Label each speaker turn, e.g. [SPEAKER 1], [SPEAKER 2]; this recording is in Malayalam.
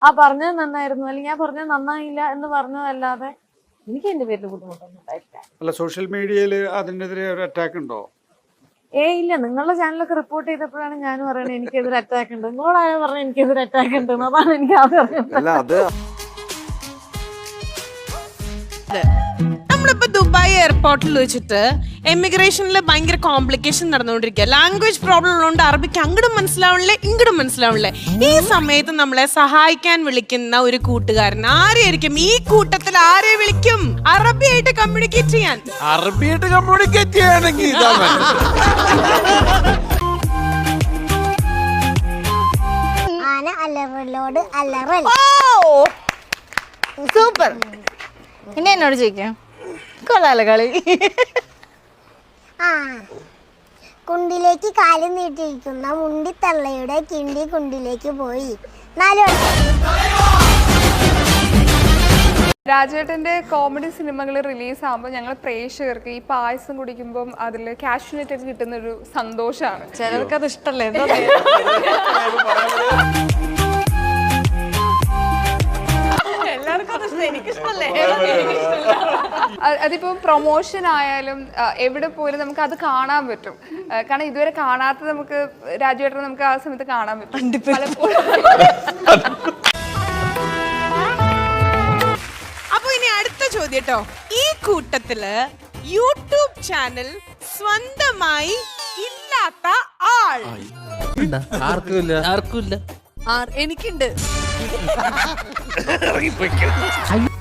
[SPEAKER 1] പറഞ്ഞത് നന്നായിരുന്നു അല്ലെങ്കിൽ ഞാൻ പറഞ്ഞത് നന്നായില്ല എന്ന് പറഞ്ഞതല്ലാതെ എനിക്ക് എന്റെ പേരിൽ ബുദ്ധിമുട്ടൊന്നും ഉണ്ടായിട്ടില്ല.
[SPEAKER 2] അല്ല, സോഷ്യൽ മീഡിയയിൽ അതിനെതിരെ ഒരു അറ്റാക്ക് ഉണ്ടോ?
[SPEAKER 1] ഇല്ല, നിങ്ങളുടെ ചാനലൊക്കെ റിപ്പോർട്ട് ചെയ്തപ്പോഴാണ് ഞാൻ പറയുന്നത് എനിക്കെതിരെ അറ്റാക്ക് ഉണ്ട്. നിങ്ങളോടായ പറഞ്ഞത് എനിക്കെതിരെ അറ്റാക്ക് ഉണ്ട്. അതാണ് എനിക്ക് ആദ്യം.
[SPEAKER 3] നമ്മളിപ്പോ ദുബായ് എയർപോർട്ടിൽ വെച്ചിട്ട് എമിഗ്രേഷനിൽ ഭയങ്കര കോംപ്ലിക്കേഷൻ നടന്നുകൊണ്ടിരിക്കുക. ലാംഗ്വേജ് പ്രോബ്ലം ഉള്ളതുകൊണ്ട് അറബിക്ക് അങ്ങോട്ടും മനസ്സിലാവണില്ലേ ഇങ്ങോട്ടും മനസ്സിലാവണില്ലേ. ഈ സമയത്ത് നമ്മളെ സഹായിക്കാൻ വിളിക്കുന്ന ഒരു കൂട്ടുകാരൻ ആരെയായിരിക്കും? ഈ കൂട്ടത്തിൽ ആരെ വിളിക്കും അറബിയായിട്ട് കമ്മ്യൂണിക്കേറ്റ് ചെയ്യാൻ?
[SPEAKER 4] അറബിയായിട്ട് കമ്മ്യൂണിക്കേറ്റ് ചെയ്യാണെങ്കിൽ
[SPEAKER 5] സൂപ്പർ. ഇനി എന്നോട് ചോദിക്കാം. കൊള്ളാലോ കളി.
[SPEAKER 6] കുണ്ടിലേക്ക് കാല് നീട്ടിയിരിക്കുന്ന മുണ്ടിത്തള്ളയുടെ കിണ്ടി കുണ്ടിലേക്ക് പോയി.
[SPEAKER 7] രാജേട്ടൻ്റെ കോമഡി സിനിമകൾ റിലീസാകുമ്പോൾ ഞങ്ങൾ പ്രേക്ഷകർക്ക് ഈ പായസം കുടിക്കുമ്പം അതിൽ കാഷ്യൂനറ്റ് ഒക്കെ കിട്ടുന്നൊരു സന്തോഷമാണ്.
[SPEAKER 1] ചിലർക്ക് അത് ഇഷ്ടമല്ലേ?
[SPEAKER 7] അതിപ്പോൾ പ്രൊമോഷൻ ആയാലും എവിടെ പോയാലും നമുക്ക് അത് കാണാൻ പറ്റും. കാരണം ഇതുവരെ കാണാത്ത നമുക്ക് രാജുവേട്ടനെ നമുക്ക് ആ സമയത്ത് കാണാൻ പറ്റും പലപ്പോഴും.
[SPEAKER 3] അപ്പൊ ഇനി അടുത്ത ചോദ്യം കേട്ടോ. ഈ കൂട്ടത്തില് യൂട്യൂബ് ചാനൽ സ്വന്തമായി ഇല്ലാത്ത ആൾ?
[SPEAKER 4] ആർക്കുമില്ല.
[SPEAKER 1] എനിക്കുണ്ട്.